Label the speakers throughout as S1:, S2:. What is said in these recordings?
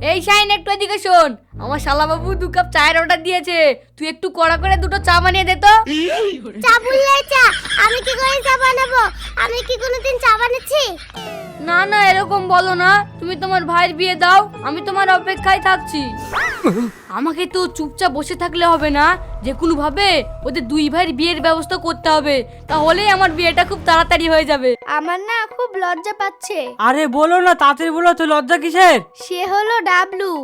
S1: এই শাইন, একটু এদিকে শোন। আমার শালা বাবু 2 কাপ চায়ের অর্ডার দিয়েছে, তুই একটু কড়া করে 2টো চা বানিয়ে দে তো।
S2: চা বললে চা, আমি কি করে চা বানাবো? আমি কি কোনোদিন চা বানাচ্ছি?
S1: না না, এরকম বলো না। তুমি তোমার ভাইয়ের বিয়ে দাও, আমি তোমার অপেক্ষায় থাকছি। আমাকে তো চুপচাপ বসে থাকলে হবে না, যে কোনো ভাবে ওদের 2 ভাইয়ের বিয়ের ব্যবস্থা করতে হবে, তাহলেই আমার বিয়েটা খুব তাড়াতাড়ি হয়ে যাবে।
S2: আমার না খুব লজ্জা পাচ্ছে।
S3: আরে বলো না, তাড়াতাড়ি বলো তো, লজ্জা কিসের?
S2: সে হলো ডাবলু।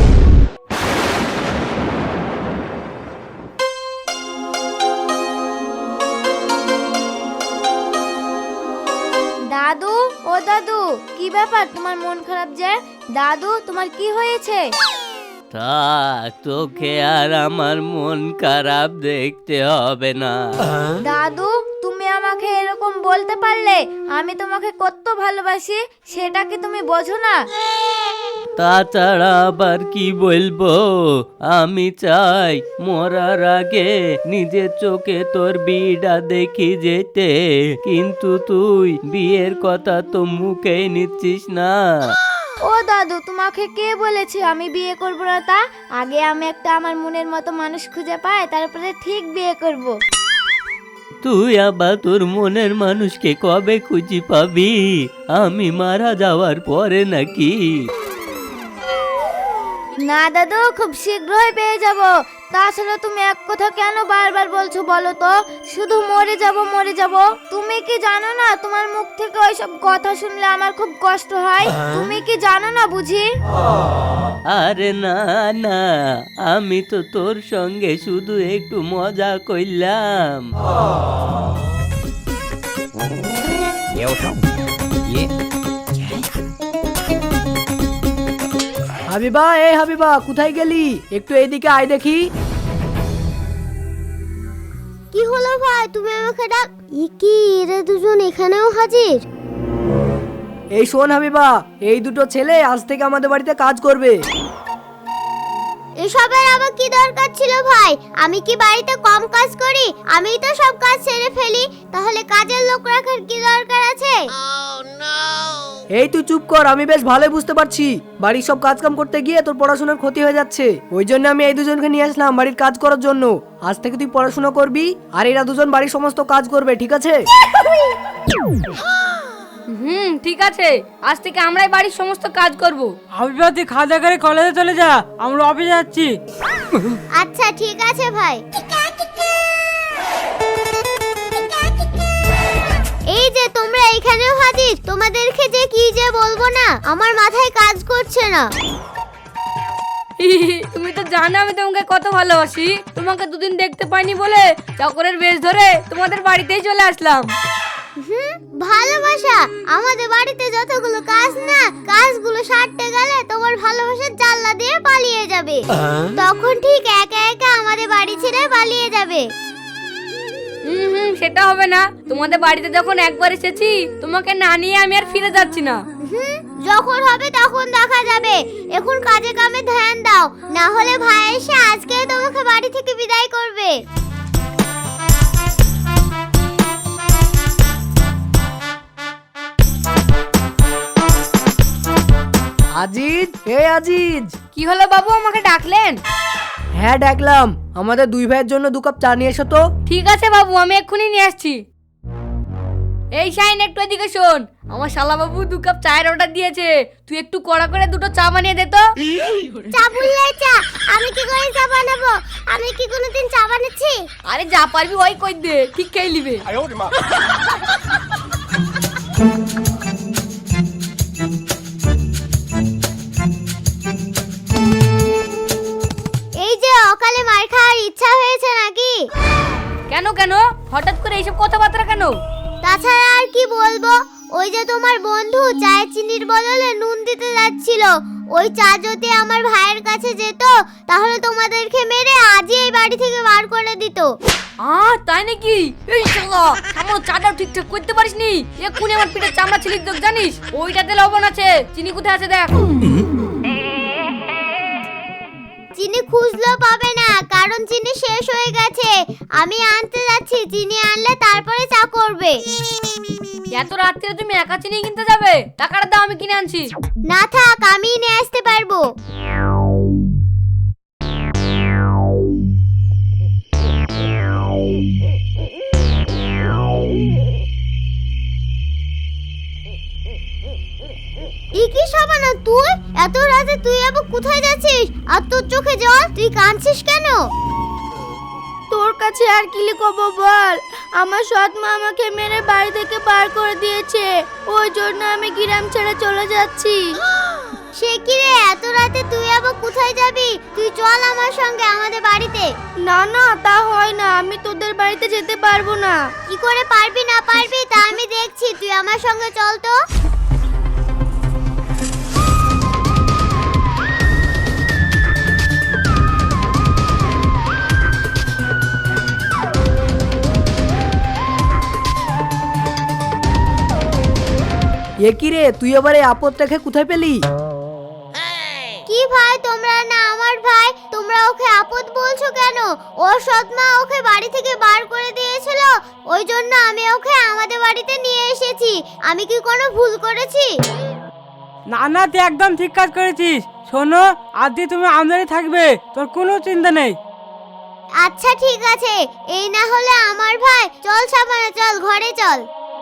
S2: দাদু, ও দাদু, কি ব্যাপার তোমার মন খারাপ যে? দাদু, তোমার কি হয়েছে?
S4: থাক, তোকে আর আমার মন খারাপ দেখতে হবে না।
S2: দাদু, তুমি আমাকে এরকম বলতে পারলে? আমি তোমাকে কত ভালোবাসি, সেটা কি তুমি বোঝো না?
S4: তাছাড়া আবার কি বলবো, আমি চাই মরার আগে নিজের চোখে তোর বিয়েটা দেখি যেতে, কিন্তু তুই বিয়ের কথা তো মুখেই নিচ্ছিস না।
S2: ও দাদু, তোমাকে কে বলেছে আমি বিয়ে করব না? তা আগে আমি একটা আমার মনের মতো মানুষ খুঁজে পাই, তারপরে ঠিক বিয়ে করব।
S4: তুই আবার তোর মনের মানুষকে কবে খুঁজে পাবি? আমি মারা যাওয়ার পরে নাকি?
S2: না দাদু, খুব শীঘ্রই পেয়ে যাব। তাছাড়া তুমি এক কথা কেন বারবার বলছো বলো তো? শুধু মরে যাব মরে যাব। তুমি কি জানো না, তোমার মুখ থেকে ওইসব কথা শুনলে আমার খুব কষ্ট হয়? তুমি কি জানো না বুঝি?
S4: আরে না না, আমি তো তোর সঙ্গে শুধু একটু মজা কইলাম।
S3: হাবিবা, এই হাবিবা, কোথায় গেলি? একটু এইদিকে আয় দেখি।
S2: কি হলো ভাই, তুমি আমাকে ডাক? কি এরা দুজন এখানেও হাজির?
S3: এই শোন হাবিবা, এই দুটো ছেলে আজ থেকে আমাদের বাড়িতে কাজ করবে।
S2: এসবের আবার কি দরকার ছিল ভাই? আমি কি বাড়িতে কম কাজ করি? আমিই তো সব কাজ সেরে ফেলি, তাহলে কাজের লোক রাখার কি দরকার আছে?
S3: এই তুই চুপ কর, আমি বেশ ভালোই বুঝতে পারছি বাড়ির সব কাজ কাম করতে গিয়ে তোর পড়াশোনার ক্ষতি হয়ে যাচ্ছে। ওই জন্য আমি এই দুজনকে নিয়ে আসলাম বাড়ির কাজ করার জন্য। আজ থেকে তুই পড়াশোনা করবি, আর এরা দুজন বাড়ির সমস্ত কাজ করবে, ঠিক আছে?
S1: ঠিক আছে, আজ থেকে আমরাই বাড়ির সমস্ত কাজ করব।
S3: হাবিবা, তুই খাওয়া দাওয়া করে কলেজে চলে যা, আমরা অফিসে যাচ্ছি।
S2: আচ্ছা ঠিক আছে ভাই। এই যে তোমরা এখানেও হাজির, তোমাদেরকে যে কি যে বলবো না, আমার মাথায় কাজ করছে না।
S1: তুমি তো জানো আমি তোমাকে কত ভালোবাসি। তোমাকে 2 দিন দেখতে পাইনি বলে চাকরের বেশ ধরে তোমাদের বাড়িতেই চলে আসলাম।
S2: ভালোবাসা? আমাদের বাড়িতে যতগুলো কাজ না, কাজগুলো সারতে গেলে তোমার ভালোবাসার জানলা দিয়ে পালিয়ে যাবে। তখন ঠিক একা একা আমাদের বাড়ি ছেড়ে পালিয়ে যাবে।
S1: সেটা হবে না। তোমাদের বাড়িতে যখন একবার এসেছি, তোমাকে না নিয়ে আমি আর ফিরে যাচ্ছি না।
S2: যখন হবে তখন দেখা যাবে। এখন কাজে কামে ধ্যান দাও, না হলে ভাই এসে আজকে তোমাকে বাড়ি থেকে বিদায় করবে।
S3: আজিজ, এই আজিজ।
S1: কি হলো বাবু, আমাকে ডাকলেন?
S3: হ্যাঁ ডাকলাম, আমাদের 2 ভাইয়ের জন্য 2 কাপ চা নিয়ে এসো তো।
S1: ঠিক আছে বাবু, আমি এক্ষুনি নিয়ে আসছি। এই শাইন, একটু এদিকে শোন। আমার শালা বাবু 2 কাপ চায়ের অর্ডার দিয়েছে, তুই একটু কড়া করে 2টো চা বানিয়ে দে তো।
S2: চা বললে চা, আমি কি করে চা বানাবো? আমি কি কোনোদিন চা বানাচ্ছি?
S1: আরে যা পারবি ওই কই দে, ঠিক খেয়ে নিবে।
S2: এই যে অকালে মার খাওয়ার ইচ্ছা হয়েছে নাকি?
S1: কেন কেন, হঠাৎ করে এইসব কথাবার্তা কেন?
S2: তাছাড়া আর কি বলবো, ওই যে তোমার বন্ধু চায়ে চিনির বদলে নুন দিতে যাচ্ছিল, ওই চা যদি আমার ভাইয়ের কাছে যেত, তাহলে তোমাদেরকে মেরে আজই এই বাড়ি থেকে বার করে দিত।
S1: তাই নাকি? এই শালা, আমার চাটাও ঠিকঠাক করতে পারিসনি, এক্ষুনি আমার পিঠে চামড়া ছিলিস দেখ, জানিস? ওইটাতে লবণ আছে, চিনি কোথায় আছে দেখ।
S2: চিনি খুঁজলেও পাবে না, কারণ চিনি শেষ হয়ে গেছে। আমি আনতে যাচ্ছি, চিনি আনলে তারপরে চা করবে।
S1: এত রাত্রে তুমি একা চিনি কিনতে যাবে? টাকাটা দাও, আমি কিনে আনছি।
S2: না থাক, আমি নিয়ে আসতে পারবো। রাতে তুই আবার কোথায় যাচ্ছিস? আর তোর চোখে জল, তুই কাঁদছিস কেন? তোর কাছে আর কি লিখবো বল? আমার সৎ মা আমাকে মেরে বাড়ি থেকে বার করে দিয়েছে, ওই জন্য আমি গ্রাম ছেড়ে চলে যাচ্ছি। সে কি রে, এত রাতে তুই আবার কোথায় যাবি? তুই চল আমার সঙ্গে আমাদের বাড়িতে। না না, তা হয় না, আমি তোদের বাড়িতে যেতে পারবো না। কি করে পারবি না পারবি তা আমি দেখছি, তুই আমার সঙ্গে চল তো।
S3: এ কি রে, তুই আবার এই আপদটাকে কোথায় পেলি?
S2: কি ভাই, তোমরা না আমার ভাই, তোমরা ওকে আপদ বলছো কেন? ওর সৎ মা ওকে বাড়ি থেকে বার করে দিয়েছিল, ওই জন্য আমি ওকে আমাদের বাড়িতে নিয়ে এসেছি। আমি কি কোনো ভুল করেছি?
S5: না না, তুই একদম ঠিক কাজ করেছিস। শোনো, আজ দিয়ে তুমি আমাদেরই থাকবে, তোর কোনো চিন্তা নেই।
S2: আচ্ছা ঠিক আছে, এই না হলে আমার ভাই। চল সাবানা, চল ঘরে চল।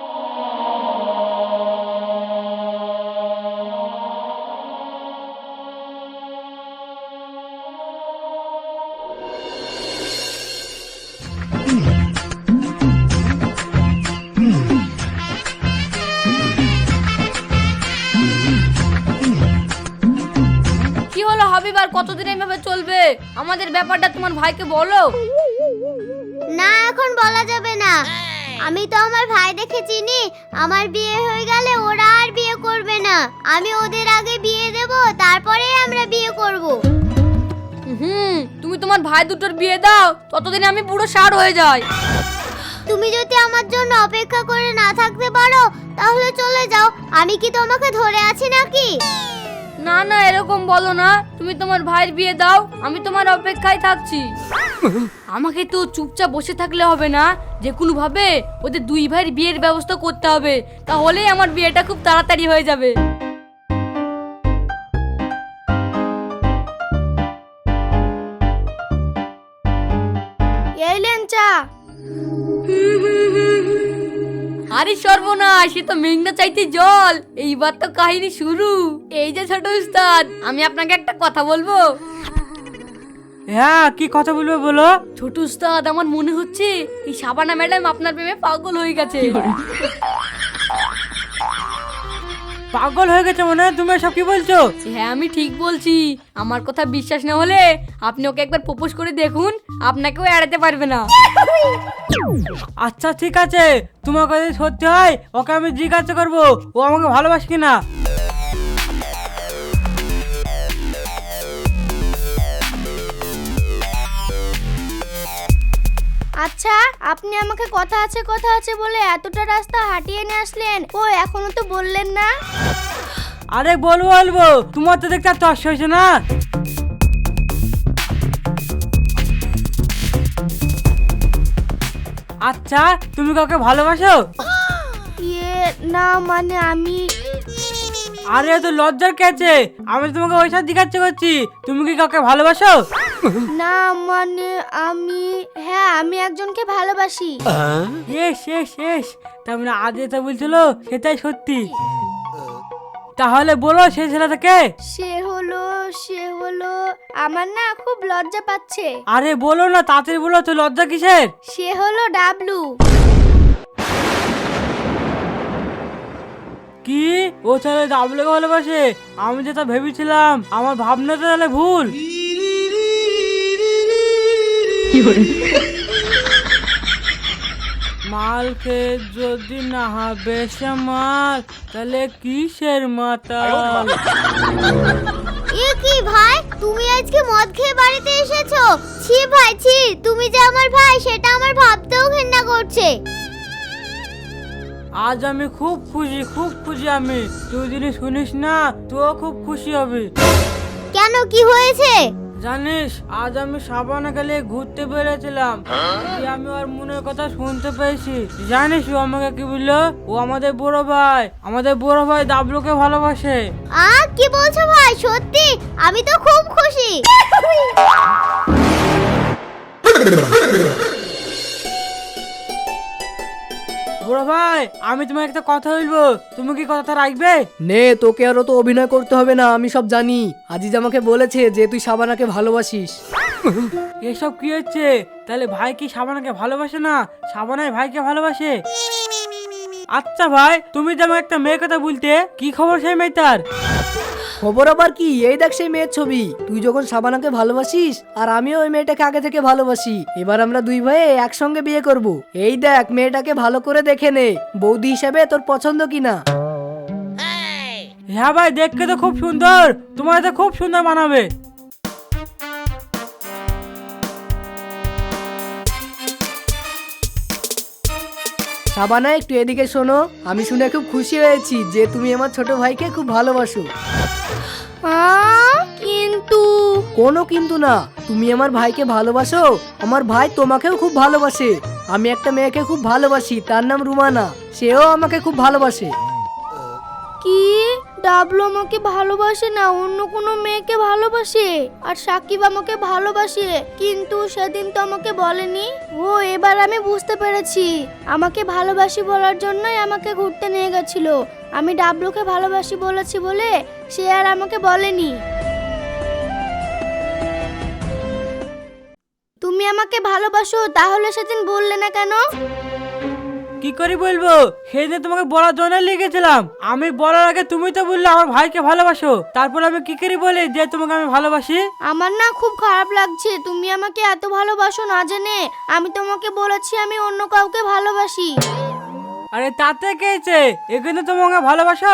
S1: কি হলো হাবিব, আর কতদিন এইভাবে চলবে? আমাদের ব্যাপারটা তোমার ভাইকে বলো।
S2: না, এখন বলা যাবে না। আমি তো আমার ভাই দেখে চিনি, আমার বিয়ে হয়ে গেলে ওরা আর বিয়ে করবে না। আমি ওদের আগে বিয়ে দেব, তারপরে আমরা বিয়ে করব।
S1: তুমি তোমার ভাই দুটোর বিয়ে দাও, ততদিনে আমি পুরো ষাঁড় হয়ে যাই।
S2: তুমি যদি আমার জন্য অপেক্ষা করে না থাকতে পারো তাহলে চলে যাও। আমি কি তোমাকে ধরে আছি নাকি?
S1: না না, এরকম বলো না। তুমি তোমার ভাইয়ের বিয়ে দাও, আমি তোমার অপেক্ষায় থাকছি। আমাকে তো চুপচাপ বসে থাকলে হবে না, যে কোনো ভাবে ওদের দুই ভাইয়ের বিয়ের ব্যবস্থা করতে হবে, তাহলেই আমার বিয়েটা খুব তাড়াতাড়ি হয়ে যাবে।
S2: এই লেন চা।
S1: আরে সর্বনাশ, এ তো মেঘনা চাইতে জল। এইবার তো কাহিনী শুরু। এই যে ছোট উস্তাদ, আমি আপনাকে একটা কথা বলবো।
S5: হ্যাঁ, কি কথা বলবে বলো।
S1: ছোট উস্তাদ, আমার মনে হচ্ছে এই শাবানা ম্যাডাম আপনার প্রেমে পাগল হয়ে গেছে।
S5: পাগল হয়ে গেছে মনে হয়? তুমি সব কি বলছো?
S1: হ্যাঁ, আমি ঠিক বলছি। আমার কথা বিশ্বাস না হলে আপনি ওকে একবার প্রপোজ করে দেখুন, আপনাকেও এড়াতে পারবে না।
S5: আচ্ছা ঠিক আছে, তোমার কথা যদি সত্যি হয় ওকে আমি জিজ্ঞাসা করবো ও আমাকে ভালোবাসে কিনা।
S2: আচ্ছা, আপনি আমাকে কথা আছে বলে এতটা রাস্তা হাঁটিয়ে নিয়ে আসলেন, ও এখনো তো বললেন না।
S5: আরে বলবো, তোমার তো দেখতে আর তর্স হয়েছে না। আচ্ছা, তুমি কাউকে ভালোবাসো?
S2: ইয়ে না, মানে আমি।
S5: আরে তো লজ্জার কে আছে? আমি তো তোমাকে ওই সাথে জিজ্ঞাসা করছি, তুমি কি কাউকে ভালোবাসো?
S2: না মানে আমি, হ্যাঁ আমি একজনকে ভালোবাসি।
S5: শেষ তার মানে আজ যেটা বলছিল সেটাই সত্যি। তাহলে বলো সেই ছেলেটাকে।
S2: সে হলো আমার না খুব লজ্জা পাচ্ছে।
S5: আরে বলো না, তাড়াতাড়ি বলো, তো লজ্জা কিসের?
S2: সে হলো ডাবলু।
S5: কি ও ছেলে ডাবলুকে ভালোবাসে? আমি যেটা ভেবেছিলাম, আমার ভাবনাটা তাহলে ভুল। মালকে যদি না হবে সে মাল, তাহলে কিসের মাতাল?
S2: এ কি ভাই, তুমি আজকে মদ খেয়ে বাড়িতে এসেছো? ছি ভাই ছি, তুমি যে আমার ভাই সেটা আমার ভাবতেও ঘৃণা করছে।
S5: আজ আমি খুব খুশি আমি। তুই যদি শুনিস না তুইও খুব খুশি হবি।
S2: কেন, কি হয়েছে?
S5: জানিস, আজ আমি সাবানা গেলে ঘুরতে বেরিয়েছিলাম, আমি ওর মনের কথা শুনতে পেয়েছি। জানিস ও আমাকে কি বললো? ও আমাদের বড় ভাই ডাবলুকে ভালোবাসে।
S2: কি বলছো ভাই, সত্যি? আমি তো খুব খুশি।
S5: বড় বড় ভাই, আমি তোমার একটা কথা বলবো, তুমি কি কথাটা রাখবে?
S3: নে, তোকে আরো তো অভিনয় করতে হবে না, আমি সব জানি। আজিজ আমাকে বলেছে যে তুই শাবানাকে ভালোবাসিস।
S5: এসব কি হচ্ছে? তাহলে ভাই কি শাবানাকে ভালোবাসে না, শাবানাই ভাইকে ভালোবাসে? আচ্ছা ভাই, তুমি যেমন একটা মেয়ের কথা বলতে, কি খবর সেই মেয়েটার?
S3: খবর আবার কি, এই দেখ সেই মেয়ের ছবি। তুই যখন শাবানাকে ভালোবাসিস আর আমিও ওই মেয়েটাকে আগে থেকে ভালোবাসি, এবার আমরা দুই ভাই একসঙ্গে বিয়ে করব। এই দেখ, মেয়েটাকে ভালো করে দেখে নে, বৌদি হিসেবে তোর পছন্দ কিনা।
S5: হ্যাঁ ভাই, দেখতে তো খুব সুন্দর, তোমার তো খুব সুন্দর মানাবে।
S3: শাবানা, একটু এদিকে শোনো। আমি শুনে খুব খুশি হয়েছি যে তুমি আমার ছোট ভাইকে খুব ভালোবাসো।
S2: কিন্তু
S3: কোনো কিন্তু না, তুমি আমার ভাইকে ভালোবাসো, আমার ভাই তোমাকেও খুব ভালোবাসে। আমি একটা মেয়েকে খুব ভালোবাসি, তার নাম রুমানা, সেও আমাকে খুব ভালোবাসে।
S2: কি ডাবলু আমাকে ভালোবাসে না, অন্য কোনো মেয়েকে ভালোবাসে? আর সাকিব আমাকে ভালোবাসে, কিন্তু সেদিন তো আমাকে বলেনি। ও, এবার আমি বুঝতে পেরেছি, আমাকে ভালোবাসি বলার জন্যই আমাকে ঘুরতে নিয়ে গেছিল। আমি ডাবলুকে ভালোবাসি বলেছি বলে সে আর আমাকে বলেনি। তুমি আমাকে ভালোবাসো, তাহলে সেদিন বললে না কেন?
S5: কি করে বলবো, সেদিন তোমাকে বলার জন্য লিখেছিলাম। আমি বলার আগে তুমি তো বললে আমার ভাইকে ভালোবাসো, তারপর আমি কি করে বলি যে তোমাকে আমি ভালোবাসি?
S2: আমার না খুব খারাপ লাগছে, তুমি আমাকে এত ভালোবাসো না জেনে আমি তোমাকে বলেছি আমি অন্য কাউকে ভালোবাসি।
S5: আরে তাতে কে হয়েছে, এখানে তোমাকে ভালোবাসো।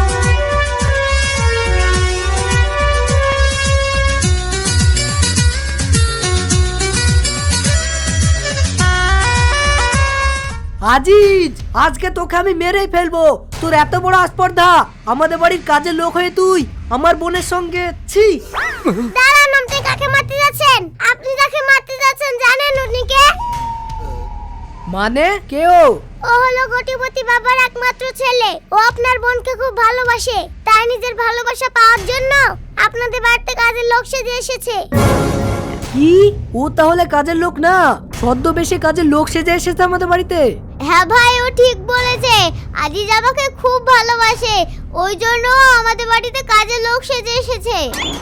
S3: আজিজ, আজকে তোকে আমি মেরেই ফেলবো। তোর এত বড় আস্পর্ধা, আমাদের বাড়ির কাজের লোক হয়ে তুই আমার বোনের সঙ্গে। ছি!
S2: দাঁড়ান, আপনি কাকে মারতে যাচ্ছেন? আপনি যাকে মারতে যাচ্ছেন জানেন উনি কে?
S3: মানে কেউ?
S2: ও হলো কোটিপতি বাবার একমাত্র ছেলে। ও আপনার বোনকে খুব ভালোবাসে, তাই নিজের ভালোবাসা পাওয়ার জন্য আপনাদের বাড়িতে কাজের লোক সেজে এসেছে।
S3: কি? ও তাহলে কাজের লোক না, ছদ্মবেশে কাজের লোক সেজে এসেছে আমাদের বাড়িতে?
S2: হ্যাঁ ভাই, ও ঠিক বলেছে। আজিজ আমাকে খুব ভালোবাসে, ওই জন্য ও আমাদের বাড়িতে কাজের লোক সেজে এসেছে।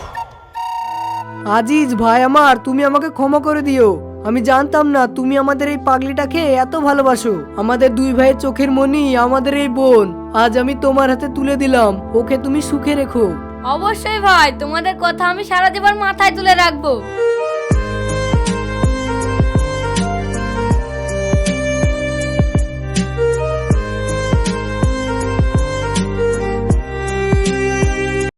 S3: আজিজ ভাই আমার, তুমি আমাকে ক্ষমা করে দিও। আমি জানতাম না তুমি আমাদের এই পাগলিটাকে এত ভালোবাসো। আমাদের দুই ভাইয়ের চোখের মনি আমাদের এই বোন, আজ আমি তোমার হাতে তুলে দিলাম, ওকে তুমি সুখে রেখো।
S1: অবশ্যই ভাই, তোমাদের কথা আমি সারা জীবন মাথায় তুলে রাখবো।